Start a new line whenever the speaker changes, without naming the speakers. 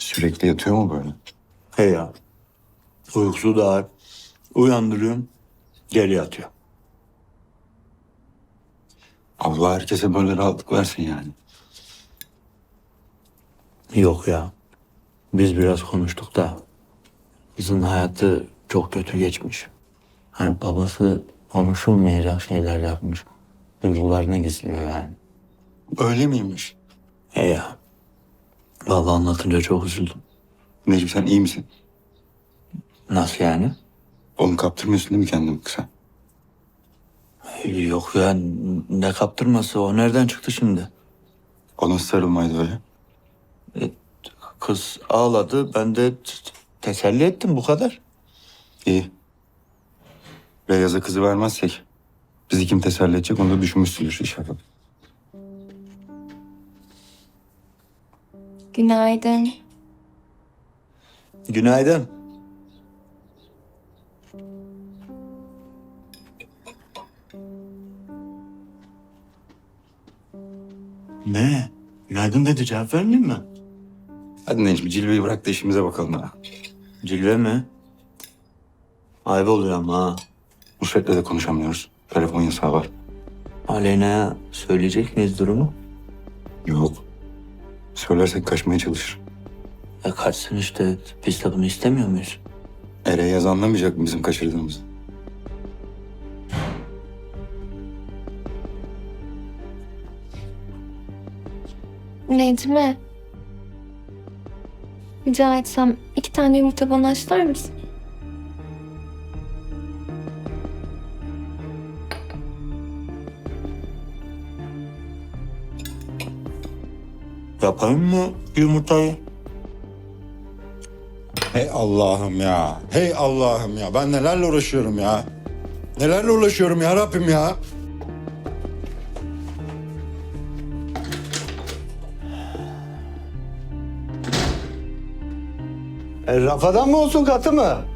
Sürekli yatıyor mu böyle?
He ya. Uykusu da uyandırıyorum. Geri yatıyor.
Allah herkese böyle rahatlık versin yani.
Yok ya. Biz biraz konuştuk da kızın hayatı çok kötü geçmiş. Hani babası konuşulmayacak şeyler yapmış. Duygularını gizliyor yani.
Öyle miymiş?
He ya. Vallahi anlatınca çok üzüldüm.
Necmi sen iyi misin?
Nasıl yani?
Oğlum kaptırmıyorsun değil mi kendini kısa?
Yok ya, ne kaptırması, o nereden çıktı şimdi?
O nasıl sarılmaydı öyle?
Kız ağladı, ben de teselli ettim, bu kadar.
İyi. Beyaz'a kızı vermezsek bizi kim teselli edecek onu da düşünmüşsündür inşallah.
Günaydın.
Günaydın. Ne? Günaydın dedi, cevap vermeyeyim mi?
Hadi Necmi cilveyi bırak da işimize bakalım ha.
Cilve mi? Ayıp oluyor ama ha.
Nusret'le de konuşamıyoruz. Telefon yasağı var.
Aleyna'ya söyleyecek miyiz durumu?
Yok. Söylersek kaçmaya çalışır.
Kaçsın işte, biz de bunu istemiyor muyuz?
Yaz anlamayacak mı bizim kaçırdığımızı?
Necmi. Rica etsem 2 tane yumurta bana haşlar mısın?
Yapayım mı yumurtayı?
Hey Allah'ım ya. Hey Allah'ım ya. Ben nelerle uğraşıyorum ya. Nelerle uğraşıyorum ya Rabbim ya.
Rafadan mı olsun, katı mı?